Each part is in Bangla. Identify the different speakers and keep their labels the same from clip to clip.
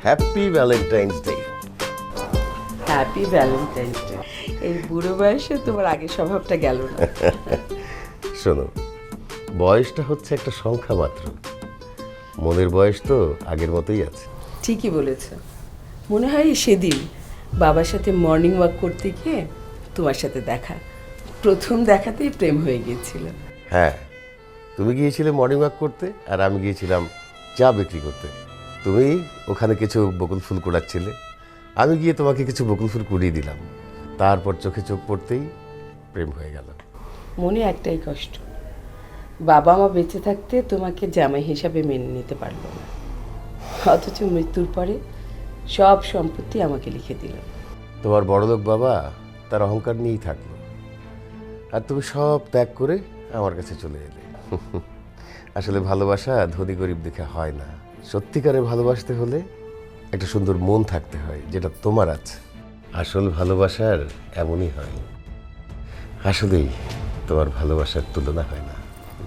Speaker 1: Happy Valentine's day.
Speaker 2: Happy Valentine's day. এই বুড়ো বয়সে তোমার আগের স্বভাবটা গেল না।
Speaker 1: শোনো, বয়সটা হচ্ছে একটা সংখ্যা মাত্র, মনের বয়স তো আগের মতোই আছে।
Speaker 2: ঠিকই বলেছ। মনে হয় সেদিন বাবার সাথে মর্নিং ওয়াক করতে গিয়ে তোমার সাথে দেখা, প্রথম দেখাতেই প্রেম হয়ে গিয়েছিল।
Speaker 1: হ্যাঁ, তুমি গিয়েছিলে মর্নিং ওয়াক করতে আর আমি গিয়েছিলাম চা বিক্রি করতে। তুমি ওখানে কিছু বকুল ফুল কুড়াচ্ছিলে, আমি গিয়ে তোমাকে কিছু বকুল ফুল কুড়িয়ে দিলাম। তারপর চোখে চোখ পড়তেই প্রেম হয়ে গেল।
Speaker 2: মনে একটাই কষ্ট, বাবা মা বেঁচে থাকতে তোমাকে জামাই হিসাবে মেনে নিতে পারলো না, অথচ মৃত্যুর পরে সব সম্পত্তি আমাকে লিখে দিল।
Speaker 1: তোমার বড়লোক বাবা তার অহংকার নিয়েই থাকলো, আর তুমি সব ত্যাগ করে আমার কাছে চলে এলে। আসলে ভালোবাসা ধনী গরিব দেখে হয় না, সত্যিকারে ভালোবাসতে হলে একটা সুন্দর মন থাকতে হয়, যেটা তোমার আছে। আসল ভালোবাসার এমনই হয়, আসলেই তোমার ভালোবাসার তুলনা হয় না।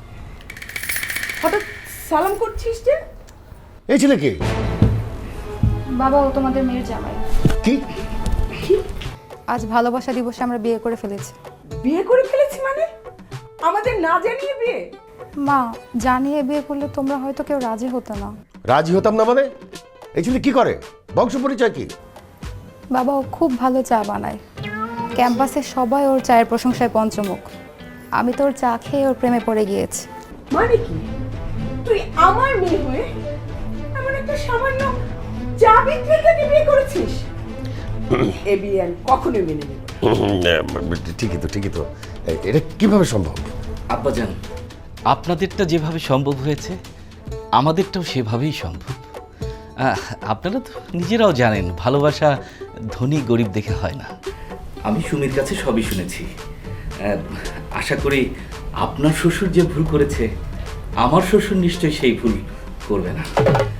Speaker 2: হঠাৎ সালাম করছিস যে?
Speaker 1: এই ছেলে কে?
Speaker 3: বাবা, ও তোমাদের মেয়ের জামাই।
Speaker 1: কি?
Speaker 3: আজ ভালোবাসা দিবসে আমরা বিয়ে করে ফেলেছি।
Speaker 2: বিয়ে করে ফেলেছি মানে? আমাদের না জানিয়ে বিয়ে?
Speaker 3: মা, জানিয়ে বিয়ে করলে তোমরা হয়তো কেউ রাজি হতো না।
Speaker 1: রাজি হতাম না মানে? এই ছেলে কি করে? বংশ পরিচয় কি?
Speaker 3: বাবা, ও খুব ভালো চা বানায়, ক্যাম্পাসে সবাই ওর চায়ের প্রশংসায় পঞ্চমুখ। আমি তো ওর চা খেয়ে ওর প্রেমে পড়ে গিয়েছি।
Speaker 2: মানে কি, তুই আমার মেয়ে হয়ে এমন একটা সামান্য চা বিক্রেতাকে বিয়ে করেছিস? এ বিয়ে আমি কখনোই মেনে নেব না।
Speaker 1: ঠিকই তো, এটা কিভাবে সম্ভব?
Speaker 4: আব্বাজান, আপনাদেরটা যেভাবে সম্ভব হয়েছে আমাদেরটাও সেভাবেই সম্ভব। আপনারা তো নিজেরাও জানেন ভালোবাসা ধনী গরিব দেখে হয় না। আমি সুমির কাছে সবই শুনেছি। আশা করি আপনার শ্বশুর যে ভুল করেছে আমার শ্বশুর নিশ্চয়ই সেই ভুল করবে না।